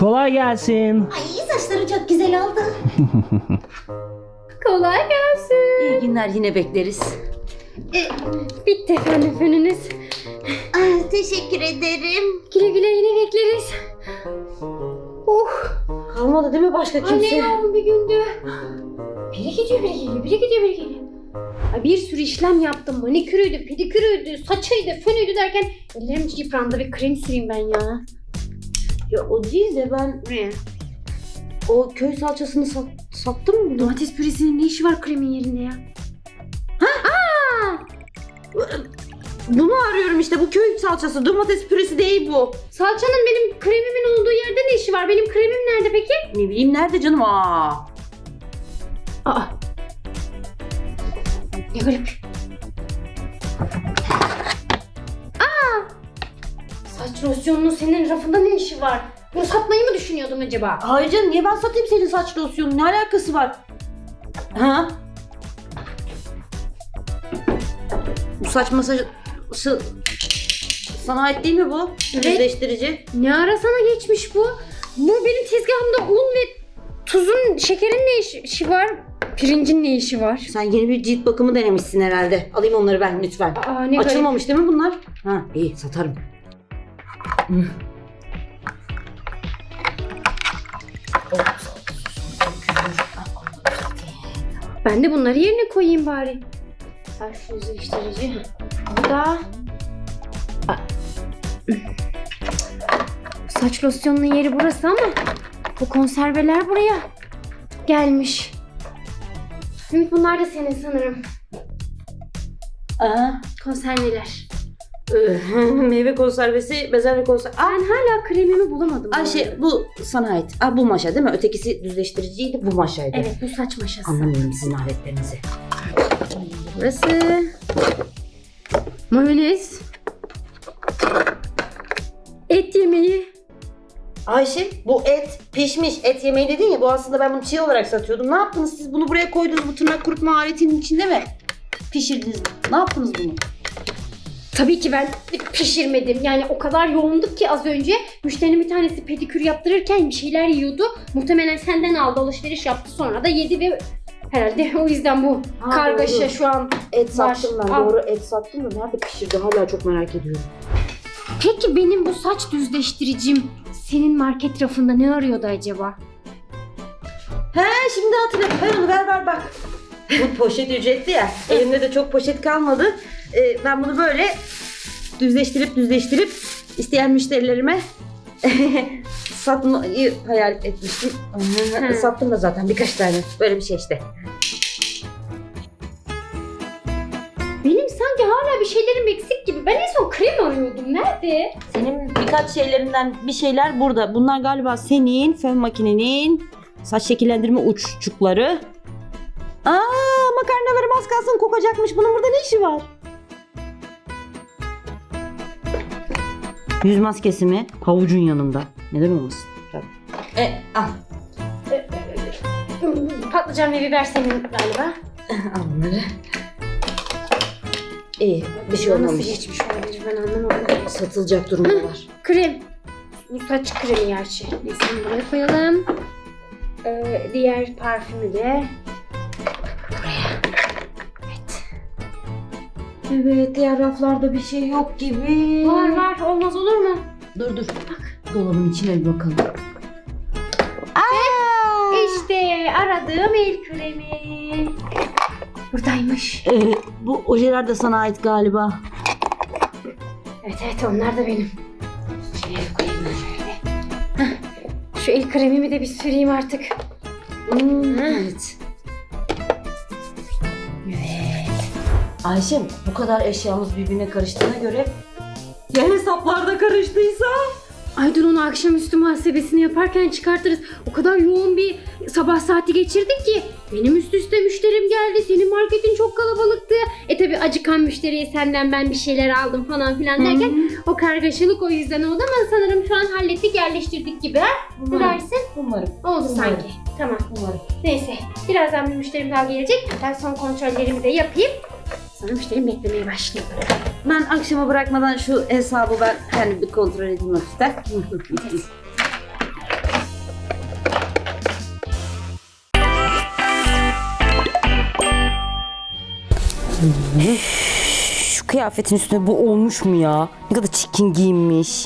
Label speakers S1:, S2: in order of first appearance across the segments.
S1: Kolay gelsin.
S2: Ay saçları çok güzel oldu.
S3: Kolay gelsin.
S2: İyi günler, yine bekleriz.
S3: Bitti efendim fönünüz.
S2: Ay, teşekkür ederim.
S3: Güle güle yine bekleriz.
S2: Kalmadı değil mi başka kimse?
S3: Anne yoğun bir gündü. Biri gidiyor biri geliyor, biri gidiyor biri geliyor. Ay, bir sürü işlem yaptım. Manikürüydü, pedikürüydü, saçıydı, fönüydü derken ellerim yıprandı. Bir krem süreyim ben ya.
S2: Ya o değil de ben
S3: Ne?
S2: o köy salçasını sattım mı?
S3: Domates püresinin ne işi var kremin yerinde ya?
S2: Bunu arıyorum işte, bu köy salçası, domates püresi değil bu.
S3: Salçanın benim kremimin olduğu yerde ne işi var? Benim kremim nerede peki?
S2: Ne bileyim, nerede canım?
S3: Aa. Ne garip. Saç losyonunun senin rafında ne işi var? Bunu satmayı mı düşünüyordun acaba?
S2: Hayır canım, niye ben satayım senin saç losyonunu? Ne alakası var? Ha? Bu saç masajı sana ait değil mi bu?
S3: Evet.
S2: Düzleştirici.
S3: Ne ara sana geçmiş bu? Bu benim tezgahımda un ve tuzun, şekerin ne işi var? Pirincin ne işi var?
S2: Sen yeni bir cilt bakımı denemişsin herhalde. Alayım onları ben lütfen.
S3: Aa, ne garip.
S2: Açılmamış değil mi bunlar? Ha, iyi, satarım.
S3: Ben de bunları yerine koyayım bari. Saç düzleştirici. Bu da... Saç losyonunun yeri burası ama bu konserveler buraya gelmiş. Ümit, bunlar da senin sanırım.
S2: Aa,
S3: Konserveler.
S2: meyve konservesi, bezelye konservesi.
S3: Ben hala kremimi bulamadım.
S2: Ayşe, bu sana ait. Aa, bu maşa değil mi? Ötekisi düzleştiriciydi, bu maşaydı.
S3: Evet, bu saç maşası.
S2: Anlamıyorum sizin aletlerinizi.
S3: Burası. Mayonez. Et yemeği.
S2: Ayşe, bu et pişmiş et yemeği dedin ya, bu aslında ben bunu çiğ olarak satıyordum. Ne yaptınız siz? Bunu buraya koydunuz, bu tırnak kurutma aletinin içinde mi? Pişirdiniz mi? Ne yaptınız bunu?
S3: Tabii ki ben pişirmedim. Yani o kadar yoğunduk ki az önce müşterinin bir tanesi pedikür yaptırırken bir şeyler yiyordu. Muhtemelen senden aldı, alışveriş yaptı, sonra da yedi ve herhalde o yüzden bu
S2: Ha,
S3: kargaşa
S2: doğru.
S3: şu an.
S2: Et
S3: Var.
S2: sattım ben,
S3: Al.
S2: doğru, et sattım da nerede pişirdi hala çok merak ediyorum.
S3: Peki benim bu saç düzleştiricim senin market rafında ne arıyordu acaba?
S2: He, şimdi hatırladım, ver onu, ver bak. Bu poşet ücretli ya, elimde de çok poşet kalmadı. Ben bunu böyle düzleştirip isteyen müşterilerime satmayı hayal etmiştim. Sattım da zaten birkaç tane, böyle bir şey işte.
S3: Benim sanki hala bir şeylerim eksik gibi. Ben en son krem arıyordum. Nerede?
S2: Senin birkaç şeylerinden bir şeyler burada. Bunlar galiba senin fön makinenin saç şekillendirme uççukları. Makarnalarım az kalsın kokacakmış. Bunun burada ne işi var? Yüz maskesi mi? Havucun yanında. Neden olmasın? Tabii. Al.
S3: Patlıcan ve biber senin galiba.
S2: Al bunları. İyi, bir şey
S3: Nasıl
S2: olmamış.
S3: geçmiş olabilir, ben anlamadım.
S2: Satılacak durumda var.
S3: Krem. Bu saç kremi gerçi. Neyse, bunu buraya koyalım. Diğer parfümü de buraya. Evet.
S2: Evet, diğer raflarda bir şey yok gibi.
S3: Var, olmaz olur mu?
S2: Dur. Bak. Dolabın içine bir bakalım.
S3: İşte aradığım el kremi. Buradaymış.
S2: Bu ojeler de sana ait galiba.
S3: Evet, onlar da benim. Şuraya koyayım ben şöyle. Hah, şu el kremimi de bir süreyim artık.
S2: Evet. Ayşem, bu kadar eşyamız birbirine karıştığına göre ya hesaplarda karıştıysa?
S3: Ay dur, onu akşamüstü muhasebesini yaparken çıkartırız. O kadar yoğun bir sabah saati geçirdik ki. Benim üst üste müşterim geldi. Senin marketin çok kalabalıktı. Tabi acıkan müşteriye senden ben bir şeyler aldım falan filan derken o kargaşalık o yüzden oldu ama sanırım şu an hallettik, yerleştirdik gibi. Ne dersin?
S2: Umarım.
S3: Oldu sanki. Tamam.
S2: Umarım.
S3: Neyse. Birazdan bir müşterim daha gelecek. Ben son kontrollerimi de yapayım. Sonra müşterim beklemeye başlayayım.
S2: Ben akşama bırakmadan şu hesabı ben bir kontrol edeyim hafiften. Şu kıyafetin üstüne bu olmuş mu ya? Ne kadar çirkin giyinmiş.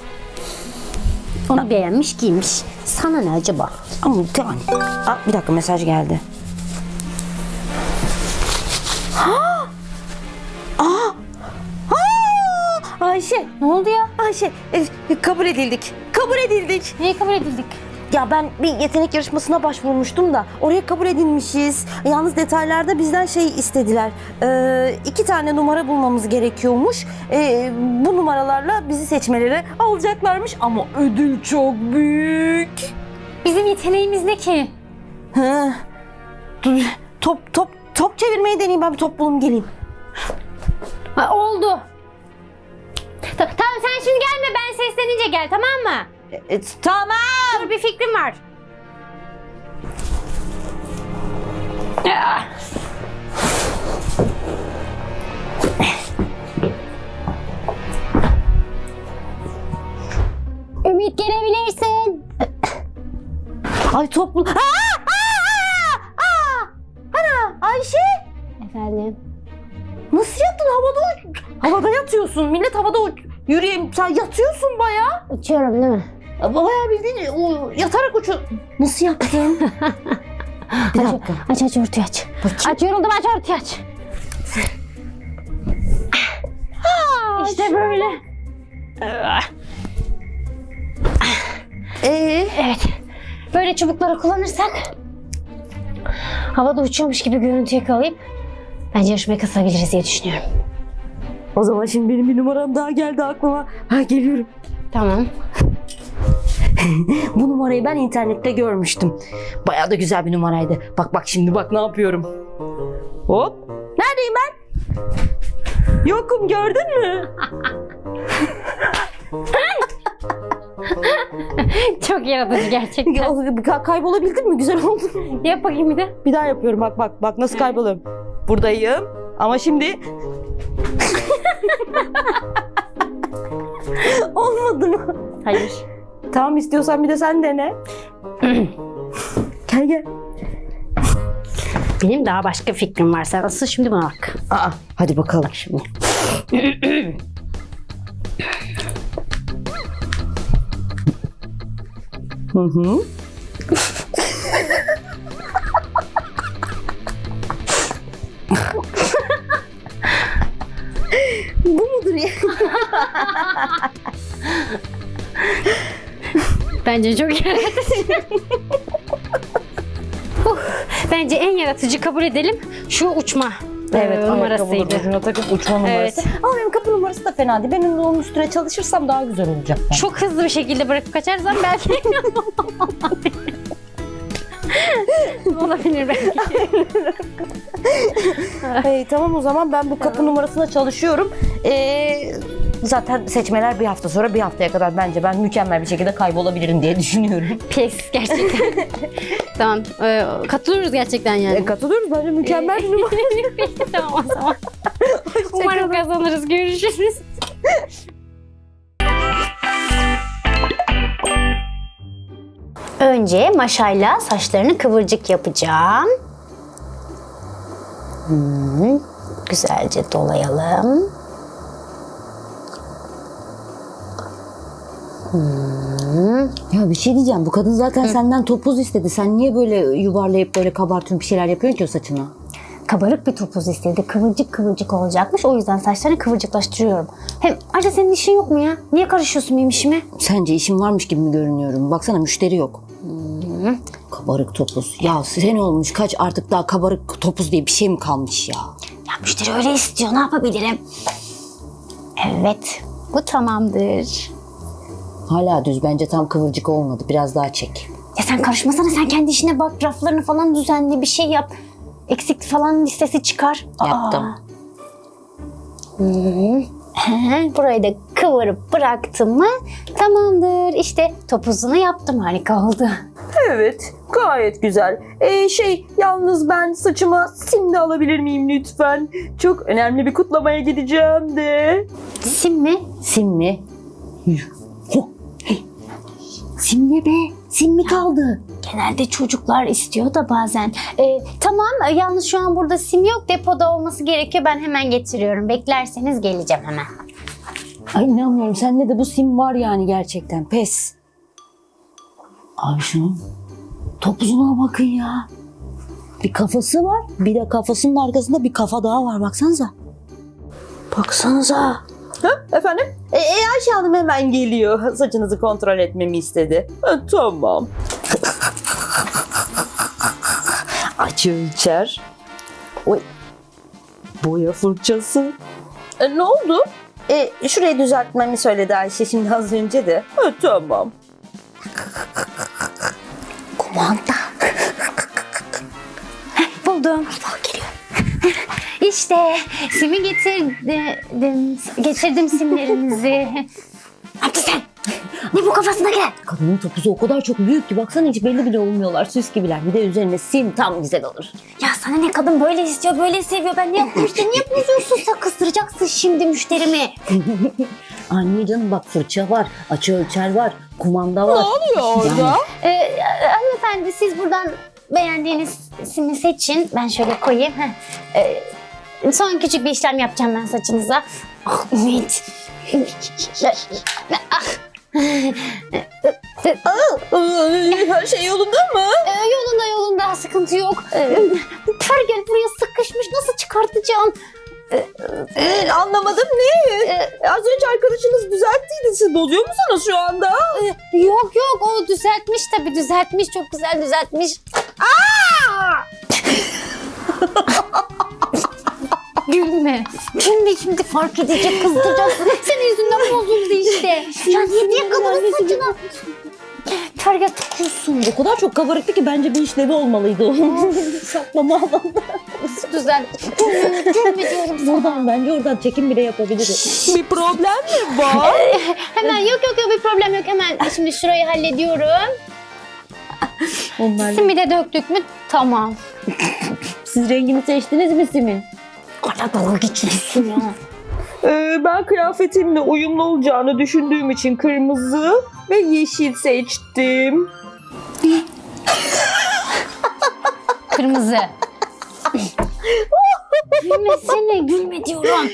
S3: Onu beğenmiş giymiş. Sana ne acaba?
S2: Ama yani. Bir dakika, mesaj geldi. Ayşe.
S3: Ne oldu ya?
S2: Ayşe, kabul edildik. Kabul edildik.
S3: Neye kabul edildik?
S2: Ya ben bir yetenek yarışmasına başvurmuştum da oraya kabul edilmişiz. Yalnız detaylarda bizden şey istediler. 2 tane numara bulmamız gerekiyormuş. Bu numaralarla bizi seçmeleri alacaklarmış ama ödül çok büyük.
S3: Bizim yeteneğimiz ne ki?
S2: Dur, top çevirmeyi deneyeyim, ben bir top bulayım geleyim.
S3: Ha, oldu. Tamam sen şimdi gelme, ben seslenince gel, tamam mı?
S2: Tamam.
S3: Dur, bir fikrim var. Ümit, gelebilirsin.
S2: Ay top bul. Ana Ayşe.
S3: Efendim?
S2: Nasıl yattın havada? Havada yatıyorsun. Millet havada yürüyeyim. Sen yatıyorsun bayağı.
S3: Uçuyorum değil mi?
S2: Bayağı bildiğin yatarak Nasıl yaptın? Bir dakika.
S3: Aç örtüyü aç. Aç, yoruldum, aç örtüyü aç. İşte böyle. Evet. Böyle çubukları kullanırsak havada uçuyormuş gibi görüntü yakalayıp bence yarışmaya katılabiliriz diye düşünüyorum.
S2: O zaman şimdi benim bir numaram daha geldi aklıma. Geliyorum.
S3: Tamam.
S2: Bu numarayı ben internette görmüştüm. Bayağı da güzel bir numaraydı. Bak şimdi ne yapıyorum. Hop. Neredeyim ben? Yokum, gördün mü?
S3: Çok yaratıcı gerçekten.
S2: Kaybolabildin mi? Güzel oldu.
S3: Yap bakayım bir de.
S2: Bir daha yapıyorum, bak nasıl kayboluyorum. Buradayım ama şimdi... Olmadı mı?
S3: Hayır.
S2: Tamam, istiyorsan bir de sen dene. Gel.
S3: Benim daha başka fikrim var. Sen asıl şimdi buna bak.
S2: Hadi bakalım şimdi. Hı. Bu mudur ya?
S3: Bence çok yaratıcı. Bence en yaratıcı kabul edelim şu uçma numarasıydı.
S2: Ucuna takıp uçma numarası.
S3: Evet.
S2: Ama benim kapı numarası da fena değil. Benim de onun üstüne çalışırsam daha güzel olacak.
S3: Çok hızlı bir şekilde bırakıp kaçarsam belki olabilir belki.
S2: Tamam, o zaman ben bu kapı numarasına çalışıyorum. Zaten seçmeler bir hafta sonra, bir haftaya kadar bence ben mükemmel bir şekilde kaybolabilirim diye düşünüyorum.
S3: Pes gerçekten. Tamam, katılıyoruz gerçekten yani.
S2: Katılıyoruz, bence mükemmel bir numara.
S3: Peki tamam o zaman. Umarım kazanırız. Görüşürüz. Önce maşayla saçlarını kıvırcık yapacağım. Güzelce dolayalım.
S2: Ya bir şey diyeceğim, bu kadın zaten senden topuz istedi. Sen niye böyle yuvarlayıp böyle kabartıyorsun, bir şeyler yapıyorsun ki o saçına?
S3: Kabarık bir topuz istedi. Kıvırcık kıvırcık olacakmış. O yüzden saçlarını kıvırcıklaştırıyorum. Hem ayrıca senin işin yok mu ya? Niye karışıyorsun benim işime?
S2: Sence işim varmış gibi mi görünüyorum? Baksana, müşteri yok. Kabarık topuz. Ya sen olmuş kaç, artık daha kabarık topuz diye bir şey mi kalmış ya?
S3: Ya müşteri öyle istiyor. Ne yapabilirim? Evet. Bu tamamdır.
S2: Hala düz, bence tam kıvırcık olmadı. Biraz daha çek.
S3: Ya sen karışmasana. Sen kendi işine bak. Raflarını falan düzenle. Bir şey yap. Eksik falan listesi çıkar.
S2: Yaptım.
S3: Burayı da kıvırıp bıraktım mı tamamdır. İşte topuzunu yaptım. Harika oldu.
S2: Evet, gayet güzel. Yalnız ben saçıma sim de alabilir miyim lütfen? Çok önemli bir kutlamaya gideceğim de.
S3: Sim mi?
S2: Sim mi? Sim ne be? Sim mi kaldı?
S1: Genelde çocuklar istiyor da bazen. Tamam, yalnız şu an burada sim yok. Depoda olması gerekiyor. Ben hemen getiriyorum. Beklerseniz geleceğim hemen.
S2: Ay inanmıyorum. Sende de bu sim var yani gerçekten. Pes. Abi şunun topuzuna bakın ya. Bir kafası var. Bir de kafasının arkasında bir kafa daha var. Baksanıza. Baksanıza. Ha, efendim? Ayşe Hanım hemen geliyor. Saçınızı kontrol etmemi istedi. Tamam. Aç ölçer. Oy. Boya fırçası. Ne oldu? Şurayı düzeltmemi söyledi Ayşe şimdi az önce de. Tamam. Kumanda.
S1: Buldum. Geliyor. İşte simi getirdim simlerinizi. Ne yaptın sen? Ne bu kafasına gel?
S2: Kadının topuzu o kadar çok büyük ki baksana hiç belli bile olmuyorlar. Süs gibiler. Bir de üzerine sim tam güzel olur.
S1: Ya sana ne, kadın böyle istiyor, böyle seviyor. Ben ne yapayım işte, niye bozuyorsun? Sen kıstıracaksın şimdi müşterimi.
S2: Anne canım bak fırça var, açı ölçer var, kumanda var.
S4: Ne oluyor orada?
S1: Hanımefendi siz buradan beğendiğiniz simi seçin. Ben şöyle koyayım. Son küçük bir işlem yapacağım ben saçınıza. Ah Ümit.
S4: Her şey yolunda mı?
S1: Yolunda sıkıntı yok. Bu pergel buraya sıkışmış, nasıl çıkartacağım?
S4: Anlamadım ne? Az önce arkadaşınız düzelttiydi. Siz bozuyor musunuz şu anda?
S1: Yok o düzeltmiş, çok güzel düzeltmiş. Gülme şimdi fark edecek, kızdıracaksın. Senin yüzünden bozuldu işte. Ya niye kadının saçına pergel takıyorsun?
S2: O kadar çok kabarıktı ki bence bir işlevi olmalıydı o. Saklama alanında.
S1: Güzel. Gülme diyorum sana.
S2: Buradan bence oradan çekim bile yapabiliriz.
S4: Bir problem mi var?
S1: Hemen yok bir problem yok, hemen şimdi şurayı hallediyorum.
S2: Onlar...
S1: Simi de döktük mü? Tamam.
S2: Siz rengini seçtiniz mi simin?
S1: Hala dalga geçiyorsun ya.
S4: Ben kıyafetimle uyumlu olacağını düşündüğüm için kırmızı ve yeşil seçtim.
S1: Kırmızı. Gülme diyorum.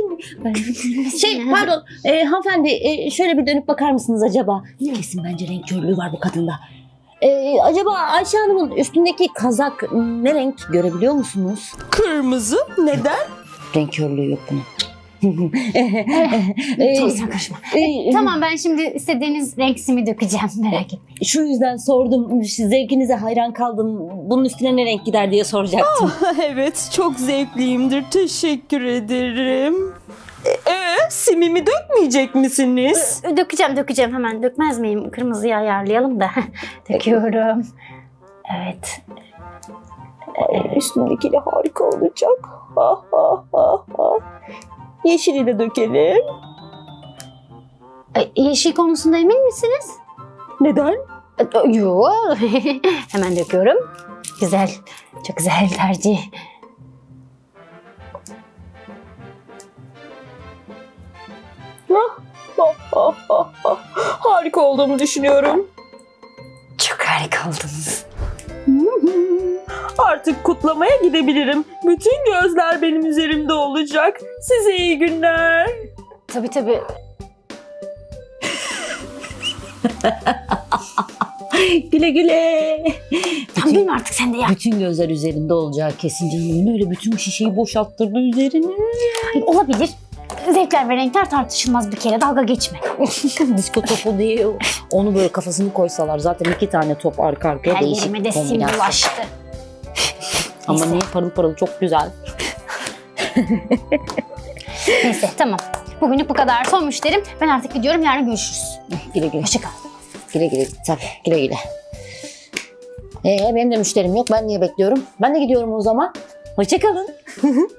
S2: Pardon hanımefendi şöyle bir dönüp bakar mısınız acaba? Kesin bence renk körlüğü var bu kadında. Acaba Ayşe Hanım'ın üstündeki kazak ne renk görebiliyor musunuz?
S4: Kırmızı. Neden?
S2: Renk körlüğü yok bunun.
S1: Tamam sen karışma. Tamam, ben şimdi istediğiniz renk simi dökeceğim, merak etmeyin.
S2: Şu yüzden sordum. Zevkinize hayran kaldım. Bunun üstüne ne renk gider diye soracaktım.
S4: Evet, çok zevkliyimdir. Teşekkür ederim. Simimi dökmeyecek misiniz?
S1: Dökeceğim hemen. Dökmez miyim? Kırmızıyı ayarlayalım da. Döküyorum. Evet.
S4: Üstündekiyle harika olacak. Yeşili de dökelim.
S1: Yeşil konusunda emin misiniz?
S4: Neden?
S1: Yok. Hemen döküyorum. Güzel. Çok güzel tercih.
S4: Harika olduğumu düşünüyorum.
S1: Çok harika oldunuz.
S4: Artık kutlamaya gidebilirim. Bütün gözler benim üzerimde olacak. Size iyi günler.
S1: Tabii.
S2: Güle güle.
S1: Tamam, benim artık sen de yap.
S2: Bütün gözler üzerinde olacağı kesin canım. Öyle bütün şişeyi boşalttırdı üzerine.
S1: Olabilir. Zevkler ve renkler tartışılmaz bir kere. Dalga geçme.
S2: Disko topu diye onu böyle kafasını koysalar zaten 2 tane top arka arkaya
S1: Her
S2: değişik
S1: yerime de
S2: bir
S1: sim
S2: kombinasyon.
S1: bulaştı.
S2: Ama
S1: Neyse.
S2: niye parıl parıl çok güzel.
S1: Neyse tamam. Bugünlük bu kadar. Son müşterim. Ben artık gidiyorum. Yarın görüşürüz.
S2: Güle güle.
S1: Hoşça kal.
S2: Güle güle. Tabii güle güle. Benim de müşterim yok. Ben niye bekliyorum? Ben de gidiyorum o zaman. Hoşça kalın.